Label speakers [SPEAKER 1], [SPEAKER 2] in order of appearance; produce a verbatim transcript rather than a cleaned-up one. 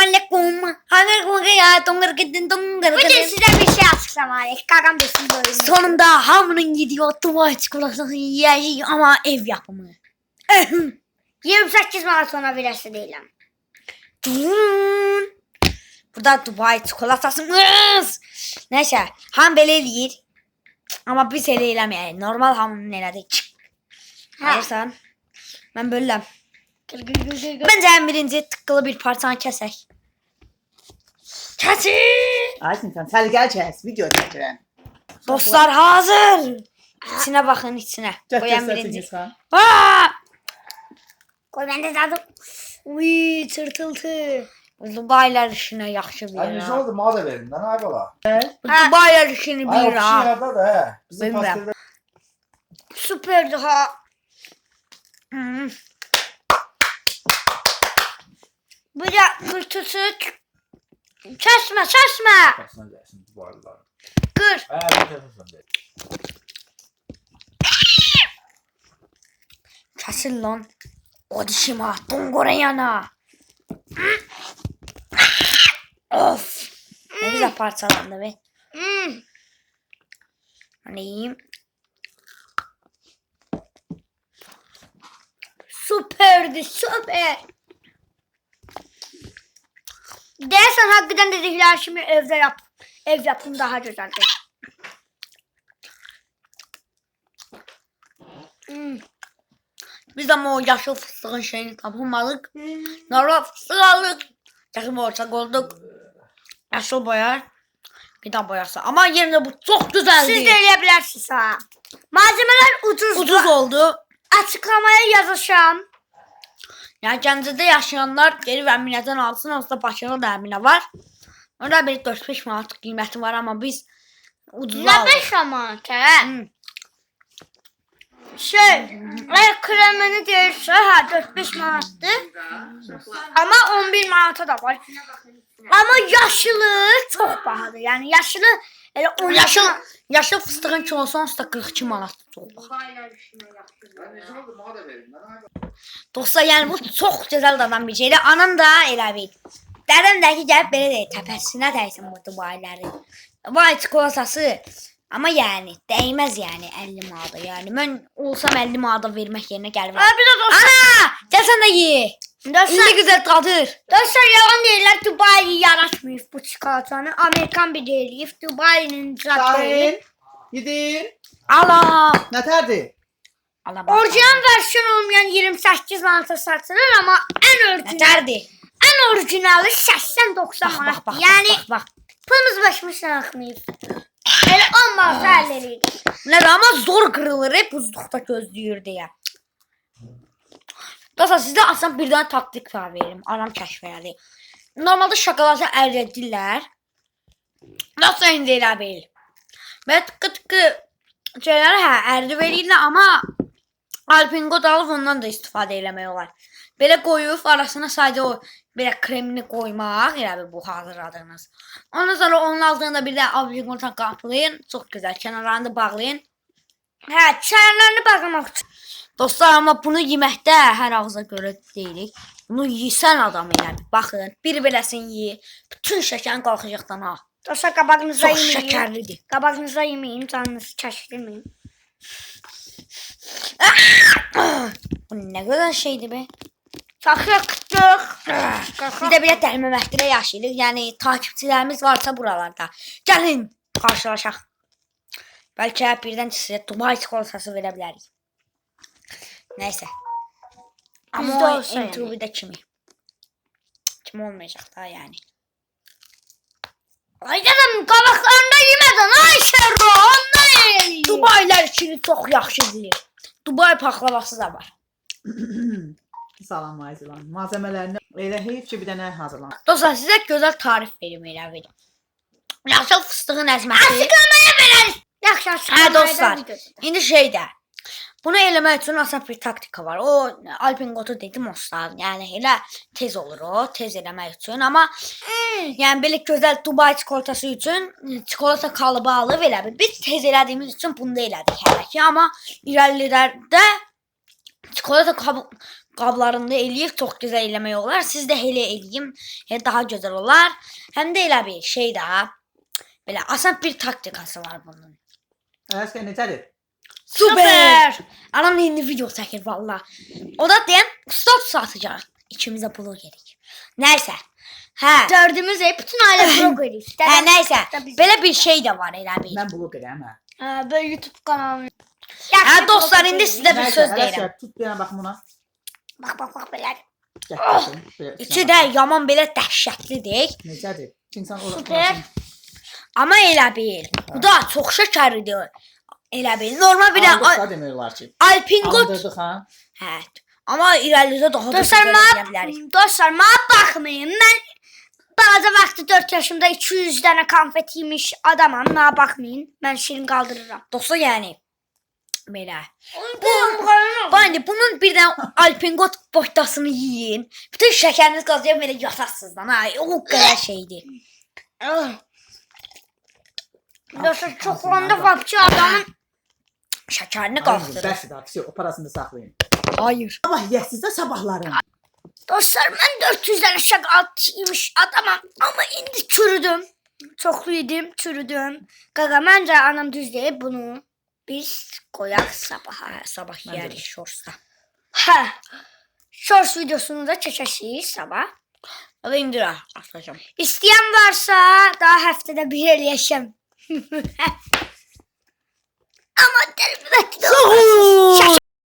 [SPEAKER 1] aleyküm. Hangi ya tongar gidin tongar.
[SPEAKER 2] Bugün size bir şey açıklamalıyım. Kakam desin böyle.
[SPEAKER 1] Sonunda hamının gidiyor Dubai çikolatasını yiyeceğiz ama ev yapımı.
[SPEAKER 2] yirmi sekiz Mart sonra birisi değilim.
[SPEAKER 1] Burada Dubai çikolatasımız. Neyse ham belə eləyir. Ama biz elə eləməyək. Normal hamının elədik. Alırsan. Ben bölürəm. Bence en birinci tıkkılı bir parçanı kəsək. Kəsin.
[SPEAKER 3] Aysin sen səliqəli kəs, video çəkirəm.
[SPEAKER 1] Dostlar hazır. İçine bakın içine. Koyan birinci. Aa!
[SPEAKER 2] Koy ben de dadım.
[SPEAKER 1] Uy tırtıltı. Dubai'ler işine yaxşı bir
[SPEAKER 4] Ay
[SPEAKER 1] ya.
[SPEAKER 4] ne oldu mağaza verin lan ay bala.
[SPEAKER 1] Dubai'ler işini
[SPEAKER 4] Ay o
[SPEAKER 1] bir
[SPEAKER 4] kişi
[SPEAKER 1] ha.
[SPEAKER 4] yarada da he. Bizim
[SPEAKER 1] Bilmem.
[SPEAKER 4] pastırda.
[SPEAKER 2] Süperdi ha.
[SPEAKER 1] Hmm.
[SPEAKER 2] Bu da kırtısı. Kesme kesme.
[SPEAKER 4] Kasına gelsin bu arada.
[SPEAKER 2] Kır.
[SPEAKER 4] He bir kasasın de.
[SPEAKER 1] Kesin lan. O dişim ha. Dongora yana. Of. Ne güzel parçalandı be.
[SPEAKER 2] Hmm.
[SPEAKER 1] Hani yiyeyim.
[SPEAKER 2] Süperdi süper. Dersen hakikaten dedikler şimdi evde yap. Ev yapım daha güzeldir. Hmm.
[SPEAKER 1] Biz ama o yaşlı fıstığın şeyini tapamadık. Normal fıstık aldık. Yaşlı boyarsak olduk. Yaşlı boyar. Gıda boyarsa. Ama yerine bu çok güzeldi.
[SPEAKER 2] Siz de eleyebilirsiniz ha. Malzemeler ucuz.
[SPEAKER 1] Ucuz oldu.
[SPEAKER 2] Açıklamaya yazacağım.
[SPEAKER 1] Yani Gəncədə yaşayanlar gelip əminədən alsın. Onsuz Bakıda da əminə var. Orada bir dörd beş manat qiyməti var ama biz ucuz
[SPEAKER 2] Ne
[SPEAKER 1] aldık.
[SPEAKER 2] beş aman he?
[SPEAKER 1] Hmm.
[SPEAKER 2] Şey, eğer kremini değilse ha dört beş manattı. Ama on bir manata da var. Ama yaşlı çok pahalı. Yani yaşlı elə on
[SPEAKER 1] Yaşıl,
[SPEAKER 2] yaşlı.
[SPEAKER 1] yaşıl fıstığın kilosu onsuz da qırx iki manat oldu.
[SPEAKER 4] Ay ne oldu mağaza verin lan ay bala.
[SPEAKER 1] Dostlar yani bu çok güzel dadan bir şeydi. Anam da elə bil. Dədəm də ki gəlib belə deyir. Təpəsinə dəysin bu Dubai'ləri. Dubai çikolatası. Ama yani değmez yani elli manata. Yani ben olsam elli manata vermek yerine gelmem.
[SPEAKER 2] Abi de dostlar.
[SPEAKER 1] Ana! Gel sen de ye.
[SPEAKER 2] Dostlar,
[SPEAKER 1] İndi güzel tadır.
[SPEAKER 2] dostlar yalan değiller. Dubai yaratmıyor bu çikolatanı. Amerikan bir değil. Dubai'nin zaten.
[SPEAKER 3] Şahin, gidin.
[SPEAKER 1] Allah.
[SPEAKER 3] Nətərdir?
[SPEAKER 1] Allah bak.
[SPEAKER 2] Orijinal versiyon olmayan yirmi sekiz manata satılır ama en orijinal.
[SPEAKER 1] Yeterdi.
[SPEAKER 2] En orijinali seksen doksan
[SPEAKER 1] Bak
[SPEAKER 2] manat.
[SPEAKER 1] bak bak.
[SPEAKER 2] yani
[SPEAKER 1] bak, bak.
[SPEAKER 2] pılımız başımızdan akmayıp. Öyle on manata elleriydi.
[SPEAKER 1] Ne ama zor kırılır. Hep buzlukta gözlüyor diye. Dostlar sizde aslında bir tane taktik var verim. Anam kəşfədi. Normalde şokolatı əridirlər. Nasıl indi elə bil. Və tıqqı tıqqı şeyləri hə əridi verirlər ama Alpingo da alıb ondan da istifadə eləmək olar. Belə qoyub arasına sadəcə o belə kremini qoymaq, elə bil bu hazırladığınız. Ondan sonra onun altında bir də Alpingo qaplayın. Çox gözəl. Kənarlarını bağlayın.
[SPEAKER 2] Hə, çaylarını bağlamaq üçün.
[SPEAKER 1] Dostlar ama bunu yeməkdə hər ağza görə deyilik. Bunu yesən adam elə bil. Baxın, bir beləsini ye. Bütün şəkərin qalxacaqdan ha.
[SPEAKER 2] Dostlar qabağınıza
[SPEAKER 1] Çox
[SPEAKER 2] yemeyin.
[SPEAKER 1] şəkərlidir.
[SPEAKER 2] Qabağınıza yemeyin, canınızı çəkdirməyin.
[SPEAKER 1] Bu nə qədər şeydir be.
[SPEAKER 2] Çox yaktık.
[SPEAKER 1] Biz də belə dəlməməkdirə yaşayırıq. Yəni takipçilərimiz varsa buralarda. Gəlin qarşılaşaq. Bəlkə birdən sizə Dubai çikolatası verə bilərik. Neyse. Ama
[SPEAKER 2] Bizde
[SPEAKER 1] o
[SPEAKER 2] olsa
[SPEAKER 1] M
[SPEAKER 2] yani.
[SPEAKER 1] T V'de kimi? Kim olmayacak daha yani.
[SPEAKER 2] Ay dedim qabaqlarında yemədin. Ay şerro, ondan yiyin.
[SPEAKER 1] Dubai'lər işini çok yaxşı bilir. Dubai paklavası da var.
[SPEAKER 3] Salam Ayzilan. Malzəmələrini elə heyf ki bir dənə hazırlan.
[SPEAKER 1] Dostlar size güzel tarif verim elə verim. Yaşıl fıstığın əzməsi.
[SPEAKER 2] Açıklamaya verərik. Yaxşı açıqlamaya
[SPEAKER 1] Hə dostlar.
[SPEAKER 2] da
[SPEAKER 1] İndi şeydə. Bunu eləmək üçün asan bir taktika var. O Alpingotu dedim dostlar. Yəni elə tez olur o, tez eləmək üçün. Amma
[SPEAKER 2] Hmm.
[SPEAKER 1] yəni belə gözəl Dubai çikolatası üçün çikolata kalıbı alıb elə bil. Biz tez elədiyimiz üçün bunu da elədik hələ ki. Amma irəlilərdə çikolata kabı, qablarında eləyib çox gözəl eləmək olar. Siz də elə eləyin, elə daha gözəl olar. Həm də elə bir şey də belə asan bir taktikası var bunun.
[SPEAKER 3] Ələsgər necədir?
[SPEAKER 1] Super! Anam indi video çəkir valla. O da deyən stop satacaq. İkimizə pulu gerek. Nəysə. Hə.
[SPEAKER 2] Dördümüz ev bütün ailə blog edirik.
[SPEAKER 1] Hə, nəysə.
[SPEAKER 2] Biz-
[SPEAKER 1] Belə bir şey də var elə bir.
[SPEAKER 3] Mən blok edəm hə.
[SPEAKER 2] Hə, böyle YouTube kanalı.
[SPEAKER 1] Hə dostlar, indi sizə bir
[SPEAKER 3] Nəysə,
[SPEAKER 1] söz deyirəm.
[SPEAKER 3] Ələsgər tut bir yana bax buna.
[SPEAKER 2] Bak bak bak böyle.
[SPEAKER 3] Gəl. baxın, belə
[SPEAKER 1] İçi
[SPEAKER 3] içinə
[SPEAKER 1] də
[SPEAKER 3] bax.
[SPEAKER 1] yaman belə dəhşətlidir.
[SPEAKER 3] Necədir? İnsan ora.
[SPEAKER 2] Süper.
[SPEAKER 1] Amma elə bil. Bu da çox şəkərlidir. Elə bil. Normal bir
[SPEAKER 3] Aldıq
[SPEAKER 1] də
[SPEAKER 3] da demək olar ki.
[SPEAKER 1] Alpingot.
[SPEAKER 3] Aldırdıq ha.
[SPEAKER 1] Hə. Amma irəlidə daha da
[SPEAKER 2] Dostlar,
[SPEAKER 1] gözəl
[SPEAKER 2] ma
[SPEAKER 1] eləyə bilərik.
[SPEAKER 2] dostlar, ma bakmayın. Ben balaca vaxtı dört yaşımda iki yüz dənə konfet yemiş adamam. Ma bakmayın. Ben şirin kaldırırım.
[SPEAKER 1] Dostlar, yəni belə.
[SPEAKER 2] Bu,
[SPEAKER 1] Bu indi bunun bir də Alpingot boşdasını yiyin. Bütün şəkəriniz qazıyıb belə yatarsınız lan. Ha, o qədər şeydir.
[SPEAKER 2] Dostlar, çok olanda vapçı adamın.
[SPEAKER 1] Şəkərini
[SPEAKER 3] Qalxdı.
[SPEAKER 1] qaldırır.
[SPEAKER 3] Bəsdir ha, o parasını da saxlayın.
[SPEAKER 1] Hayır.
[SPEAKER 3] Sabah yəsiz də sabahları.
[SPEAKER 2] Dostlar, ben dört yüz dənə şokolad yemiş adamam. Ama indi çürüdüm. Çoxlu yedim, çürüdüm. Qaqa, məncə anam düz deyib bunu. Biz qoyaq sabaha.
[SPEAKER 1] Hə, sabah yeyərik şorsta.
[SPEAKER 2] Hə. Shorts videosunu da çəkəcəyik sabah.
[SPEAKER 1] Ya da indi atacağım.
[SPEAKER 2] İstəyən varsa daha həftədə bir eləyəcəm. Amma əlbəttə.